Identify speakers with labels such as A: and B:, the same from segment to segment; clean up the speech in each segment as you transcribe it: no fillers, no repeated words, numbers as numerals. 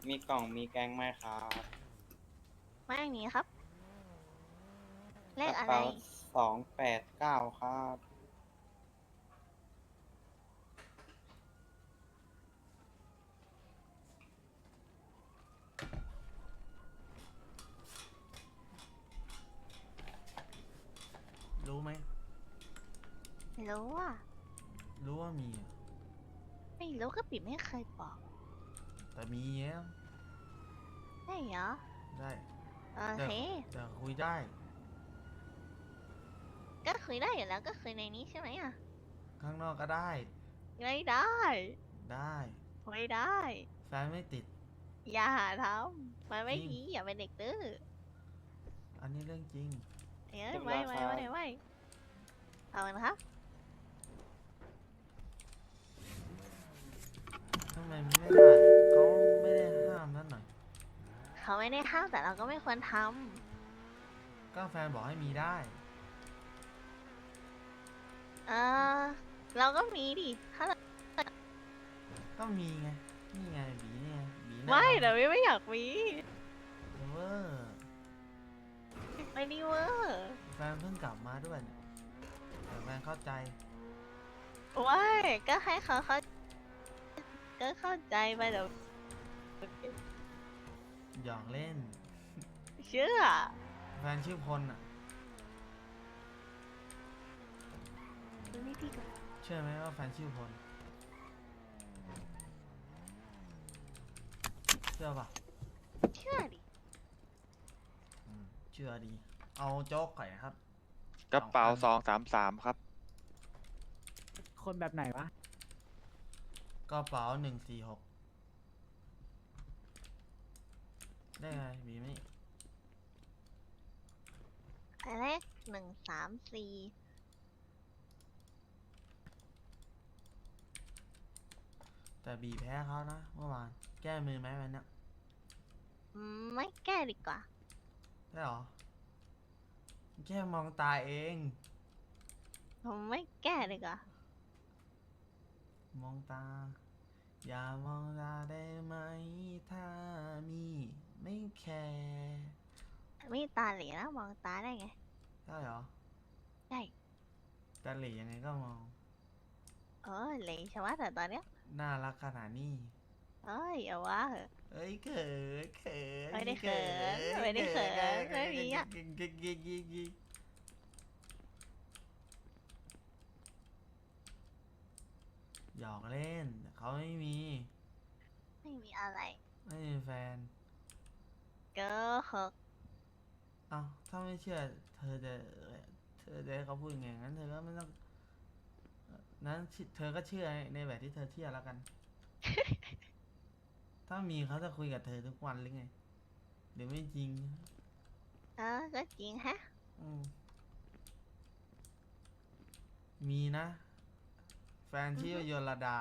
A: มีกล่องมีแกงไหมครับ
B: ไม่มีครับเลขอะไร
A: กระเป๋า289ครับ
C: รู้ไหม
B: ไม่รู้อ่ะ
C: รู้ว่ามีอะ
B: ไม่รู้ก็ปิดไม่เคยบอก
C: แต่มีแล้ว
B: ได้เหรอ
C: ได้
B: โอ
C: แต่
B: เค
C: แต่คุยได้
B: ก็คุยได้อยู่แล้วก็คุยในนี้ใช่ไหมอ่ะ
C: ข้างนอกก็ได้
B: ไม่ได้
C: ได้
B: ไม่ได้
C: แฟนไม่ติด
B: อย่าหาทำมัน
C: จ
B: ไม่
C: ริง
B: ดีอย่าเป็นเด็กดื้อ
C: อันนี้เรื่องจริง
B: เอ้
A: เรียบ
B: ยไม่ไม่
A: ร้อยครับ
B: ไม่ไม่เอาละครับ
C: ทำไมมันไม่ได้เขาไม่ได้ห้ามนั่นหน่อย
B: เขาไม่ได้ห้ามแต่เราก็ไม่ควรท
C: ก็แฟนบอกให้มีได้
B: ำเราก็มีดิถ้าเรา
C: ก็มีไง นี่ไงบีเนี่ยบีหน้า
B: ไม่แต่ไม่อยากมี
C: เวอร์
B: ไม่ดีเวอร์
C: แฟนเพิ่งกลับมาด้วยเนี่ยแต่แฟนเข้าใจ
B: ว้ายก็ให้เขาก็เข้าใจไปแต่
C: หยอกเล่น
B: เชื่อ
C: แฟนชื่อพลอ่ะ
B: ไม่ดีกับ
C: เชื่อไหมว่าแฟนชื่อพล เชื่อป่ะ
B: เชื่อดิ
C: เชื่อดี เอาโจ๊กไก่ครับ
D: กระเป๋า
C: 2,000
D: 233ครับ
E: คนแบบไหนวะ
C: กระเป๋า146ได้ไงบีไม่
B: เลข134
C: แต่บีแพ้เขานะเมื่อวาน แก้มือไหมวันเนี้ย
B: ไม่แก้ดีกว่า
C: ได้หรอ แค่มองตาเอง
B: ผมไม่แก้ดีกว่า
C: มองตา อย่ามองตาได้ไหม ถ้ามีไม่แคร์
B: ไม่ตาเหลีนะมองตาได้ไง
C: ได้หรอ
B: ได้
C: แต่เหลี่ยยังไงก็มอง
B: เหลีใช่ไหมแต่ตอนเนี้ย
C: น่ารักขนาดนี้
B: อย่าว่าเหอะ
C: เอ้ยเขินเขิน
B: ไม่ได้เขินไม่ได้เขินไม่มีอะ
C: หยอกเล่นเขาไม่มี
B: ไม่มีอะไร
C: ไม่มีแฟน
B: ก็หก
C: เอ้าถ้าไม่เชื่อเธอจะให้เขาพูดไงงั้นเธอก็ไม่ต้องนั้นเธอก็เชื่อในแบบที่เธอเชื่อแล้วกัน ถ้ามีเขาจะคุยกับเธอทุกวันหรือไงหรือไม่จริง
B: ก็จริงฮะ
C: อืมมีนะ แฟนชื่อโยลดา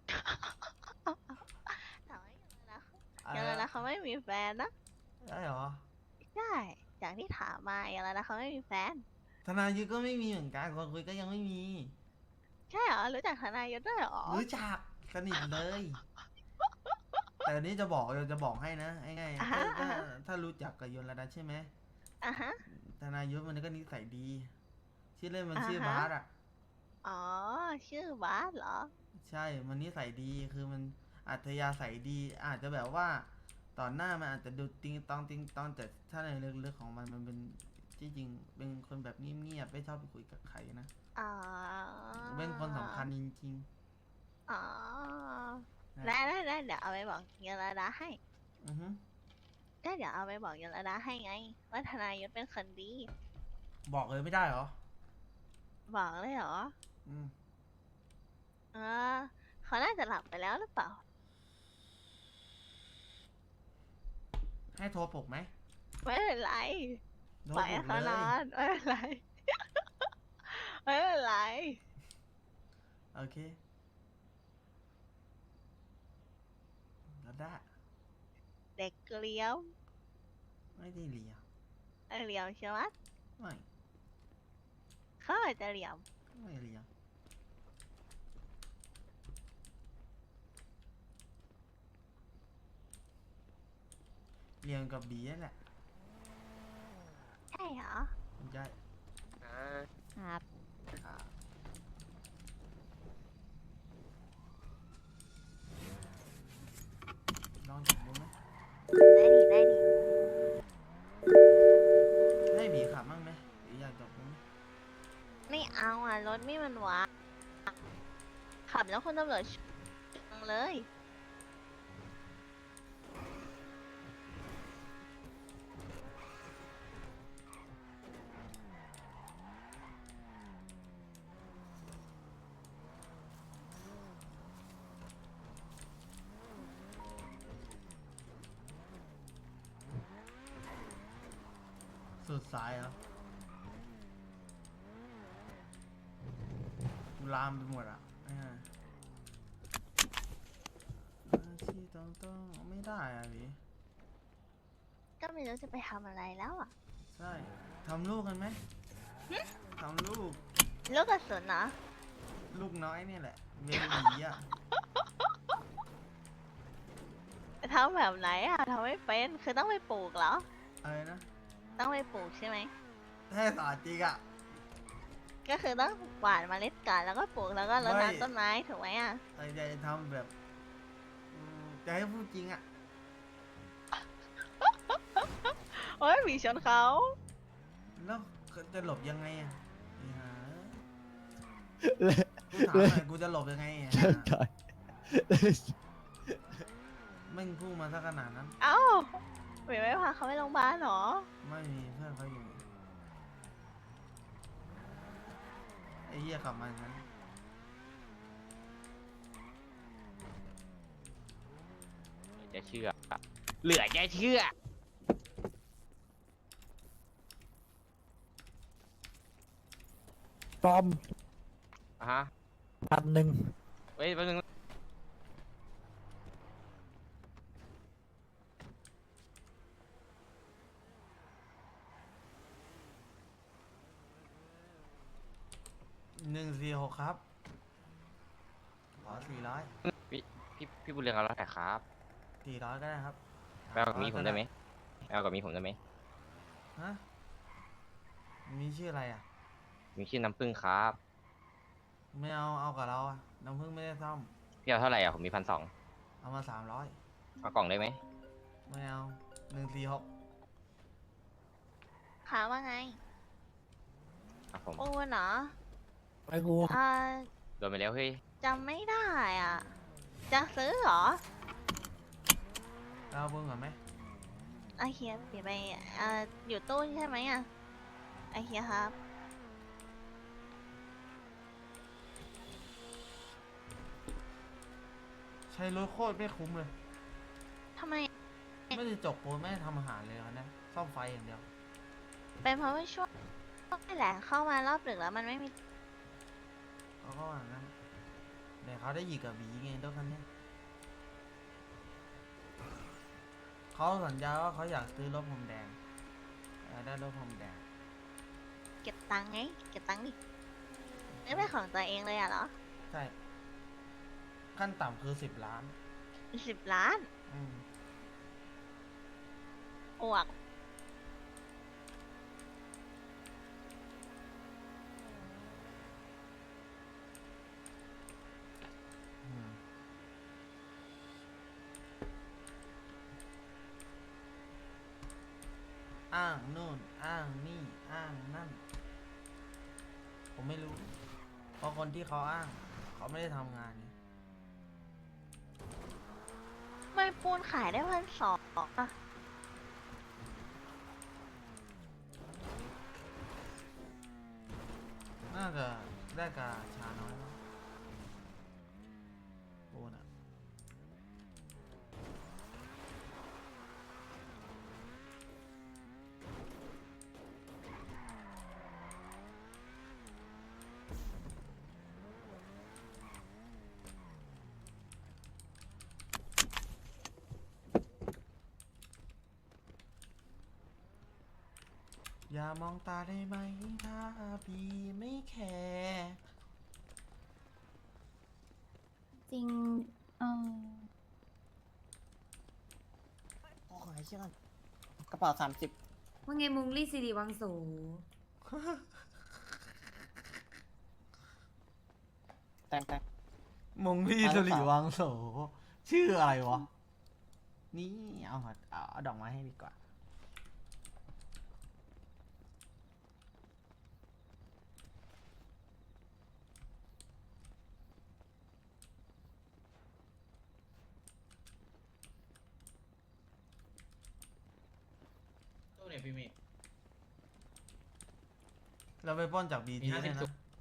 B: แต่ว่า
C: อะไร
B: อย่างนั้น
C: นะ
B: เขาไม่มีแฟนนะ
C: ได้เหรอ
B: ใช่จากที่ถามมาอย่างนั้นเขาไม่มีแฟน
C: ธนายุทธก็ไม่มีเหมือนกันคนคุยก็ยังไม่มี
B: ใช่เหรอรู้จักทนายยศด้วยเหรอ
C: รู้จักสนิทเลย แต่อันนี้จะบอกให้นะง่ายๆถ้ารู้จักกับโยลดาใช่ไหม
B: อ่ะฮะ
C: ธนายุทธมันก็นิสัยดี ชื่อเล่นมัน
B: อ่าฮะ
C: ชื่อบาสอ่ะ
B: อ๋อชื่อบาสเหรอ
C: ใช่ มันนิสัยดี คือมันอัธยาศัยดี อาจจะแบบว่าตอนหน้ามันอาจจะดูติงตองแต่ถ้าในลึกๆของมันเป็นที่จริงเป็นคนแบบเงียบๆไม่ชอบไปคุยกับใครนะ
B: อ๋อ
C: เป็นคนสำคัญจริง
B: อ๋อ
C: ๆนะ
B: ได้เดี๋ยวเอาไปบอกยลดาให้
C: อือฮึ
B: ได้เดี๋ยวเอาไปบอกยลดาให้ไง ว่าทนายยศเป็นคนดี
C: บอกเลยไม่ได้เหรอ
B: บอกเลยเหรอ
C: อืม
B: เออเขาน่าจะหลับไปแล้วหรือเปล่า
C: ให้โทรปลุกไหม
B: ไม่เป็นไร
C: โทร
B: ปล่อย
C: ปลุ
B: ให้
C: ก
B: เขา
C: เล
B: นอย นไม่เป็นไร ไม่เป็นไร
C: โอเคแล้วได้
B: เด็กเลี้ยว
C: ไม่ได้เลีย
B: เหลี่ยมใช่ไหม
C: ไม่
B: เขาอาจจะเหลี่ยม
C: ไม่เลียเรียนกับบีนั่นแหละ
B: ใช่เหรอ
C: ไม่ใช่
B: ครับ
C: อ่าลองจับดูไหม
B: ได้ดิได้ดิ
C: ให้บีขับบ้างไหมหรืออยากจับดูไหม
B: ไม่เอาอ่ะ รถไม่มันว้าขับแล้วคนตำรวจชังเลย
C: สุดสายเหรอกูลามไปหมดอ่ะที่ต้องไม่ได้อ่ะบี
B: ก็ไม่รู้จะไปทำอะไรแล้วอ่ะ
C: ใช่ทำลูกกันไหมทำลูก
B: ลูกกระสุนเหรอ
C: ลูกน้อยนี่แหละเบบีอ่ะ
B: ทำแบบไหนอ่ะทำไม่เป็น คือต้องไปปลูกเหรอ
C: อะไรนะ
B: ต้องไปปลูกใช่ไหม
C: แท้สาจริงอ่ะ
B: ก็คือต้องหว่านเมล็ดก่อนแล้วก็ปลูกแล้วก็รด
C: ไม่
B: น้ำต้นไม้ถูกไหมอ่ะ
C: ไอ้จะทำแบบจะให้พูดจริงอ่ะ
B: โอ้ยหมีชนเขา
C: แล้วจะหลบยังไงอ่ะไอ้ห่ากูถามหน่อยกูจะหลบยังไงอ่ะไม่งพูดมาซะขนาดนั้น
B: เอ้าหมีไม่พาเขาไปโรงพยาบาลเหรอ
C: ไม่มีเพื่อนเขาอยู่ไอ้เหี้ยขับมาอย่างนั้น
F: จะเชื่อ เหลือจะเชื่อ
E: ปลอม
F: อ่ะฮะ
E: 1,000
F: เฮ้ยแป๊บนึง
C: 146ครับขอ400
F: พี่บุญเรืองเอาแล้วแต่ครับ
C: 400ก็ได้ครับ
F: ไปเอากับมีผมได้ไหมไปเอากับมีผมได้ไหม
C: ฮะมีชื่ออะไรอ่ะ
F: มีชื่อน้ำผึ้งครับ
C: ไม่เอากับเราอ่ะน้ำผึ้งไม่ได้ซ่อม
F: พี่เอาเท่าไหร่อ่ะผมมี1,200
C: เอามา300
F: เอากล่องได้ไหม
C: ไม่เอา146
B: ขาว่าไง
F: ครับผม
B: โอ้เนาะ
E: ไปกู
F: โดนไปแล้วเฮ้ย
B: จำไม่ได้อ่ะ จะซื้อเหรอ
C: เราเพิ่งก่อนไหม
B: ไอเฮียเปลี่ยนไปอยู่ตู้ใช่ไหมอ่ะ ไอเฮียครับ
C: ใช้รถโคตรไม่คุ้มเลย
B: ทำไม
C: ไม่ได้จกปูนไม่ได้ทำอาหารเลยนะซ่อมไฟอย่างเดียว
B: เป็นเพราะว่าช่วงนี่แหละเข้ามารอบดึกแล้วมันไม่มี
C: เขาก็ว่างั้นเดี๋ยวเขาได้หยิกกับบีไงรถคันนี้เขาสัญญาว่าเขาอยากซื้อรถผมแดงอยากได้รถผมแดง
B: เก็บตังค์ไง เก็บตังค์ดิไม่เป็นของตัวเองเลยอ่ะเหรอ
C: ใช่ ขั้นต่ำคือ10 ล้าน
B: 10 ล้าน
C: อืม
B: อวก
C: อืมอ้างนู่น อ้างนี่ อ้างนั่น ผมไม่รู้ เพราะคนที่เขาอ้าง เขาไม่ได้ทำงานไง
B: ไม่ปูนขายได้1,200อ่ะ
C: น่าจะได้กาชาน้อยมั้งปูนอะ อย่ามองตาได้ไหมถ้าพี่ไม่แคร์
G: จริง
E: ขอให้เชื่อกัน
A: กระเป๋า30
G: ว่าไงมุงลี่สิริวังโส
A: แต่ง
C: มงพี่สุริวังโส ชื่ออะไรวะ นี่เอาดอกไม้ให้ดีกว่า
H: ตู้เนี่ยพี่มี
C: เราไปปล้นจากบี
H: มี
C: ที
H: 50
C: เนี่ยนะ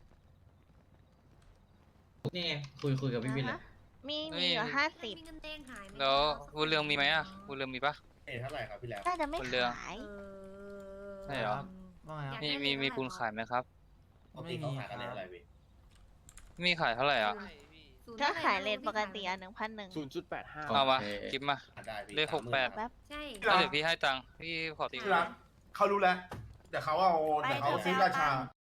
H: นี่ไงคุยกับพี่วินเลย
B: มีอยู่50
G: มีเงินเด้งหายไหม
I: แล้ววุ้นเรืองมีไหมอ่ะวุ้นเรืองมีปะ
H: เท่าไหร่ครับพี่แล้ว
B: น่าจะไม่
I: คนเรือ
B: ขาย
I: ใช่เหรอ
C: ว่าไงครับ
I: มีปูนขายไหมครับ
C: ไม่มีครับ
I: มีขายเท่าไหร่อ่ะ
B: ก็ขายเลทปกติอ่ะ1,100
F: 0.85
I: เอามากิฟมา เลข68
B: แป๊บ
G: ใช่
I: แล้วเดี๋ยวพี่ให้ตังค์พี่ขอตี
J: ที่รักเขารู้แล้ว แต่เขาเอา
B: ไป
J: แต่เขา
B: เดี๋ยว
J: ซื้อ
B: ไป
J: รา
B: เอา
J: ชา
B: ตังค์